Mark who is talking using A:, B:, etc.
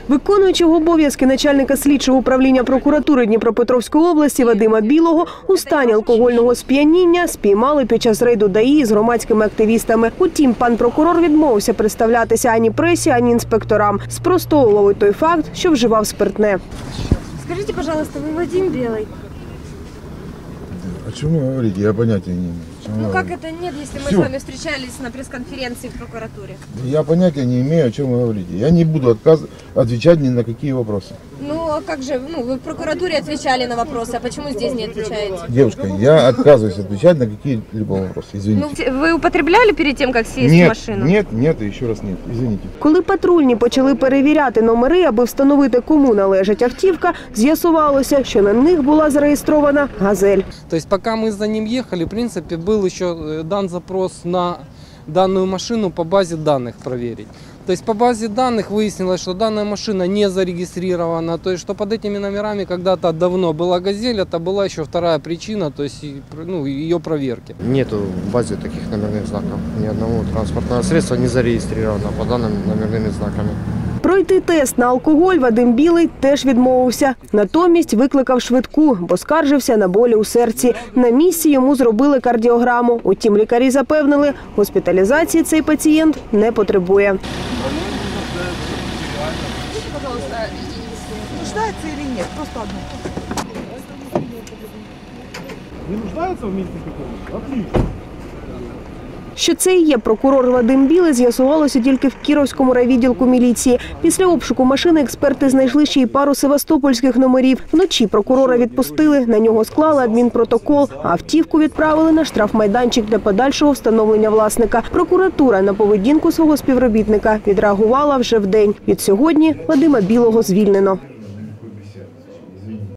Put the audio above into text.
A: Виконуючого обов'язки начальника слідчого управління прокуратури Дніпропетровської області Вадима Білого у стані алкогольного сп'яніння спіймали під час рейду ДАІ з громадськими активістами. Утім, пан прокурор відмовився представлятися ані пресі, ані інспекторам. Спростовував і той факт, що вживав спиртне.
B: Скажите, пожалуйста, вы Вадим Белый?
C: О чем вы говорите? Я понятия не имею.
B: Ну как это нет, если мы с вами встречались на пресс-конференции в прокуратуре?
C: Я понятия не имею, о чем вы говорите. Я не буду отвечать ни на какие вопросы.
B: Ну а как же, вы в прокуратуре отвечали на вопросы, а почему здесь не отвечаете?
C: Девушка, я отказываюсь отвечать на какие-либо вопросы. Извините.
B: Ну, вы употребляли перед тем, как сесть в машину?
C: Нет, и еще раз нет. Извините.
A: Коли патрульні почали перевіряти номери, аби встановити, кому належить автівка, з'ясувалося, що на них була зареєстрована «Газель».
D: То есть пока мы за ним ехали, в принципе, был еще дан запрос на данную машину по базе данных проверить. То есть по базе данных выяснилось, что данная машина не зарегистрирована, то есть что под этими номерами когда-то давно была «Газель», это была еще вторая причина, то есть ее проверки.
E: Нету в базе таких номерных знаков, ни одного транспортного средства не зарегистрировано по данным номерными знаками.
A: Пройти тест на алкоголь Вадим Білий теж відмовився. Натомість викликав швидку, бо скаржився на болі у серці. На місці йому зробили кардіограму. Утім, лікарі запевнили, госпіталізації цей пацієнт не потребує.
F: Нуждается или нет? Просто одно.
G: Не нуждается в месте каком-то? Отлично.
A: Що це і є прокурор Вадим Білий, з'ясувалося тільки в Кіровському райвідділку міліції. Після обшуку машини експерти знайшли ще й пару севастопольських номерів. Вночі прокурора відпустили, на нього склали адмінпротокол, а автівку відправили на штрафмайданчик для подальшого встановлення власника. Прокуратура на поведінку свого співробітника відреагувала вже вдень. Від сьогодні Вадима Білого звільнено.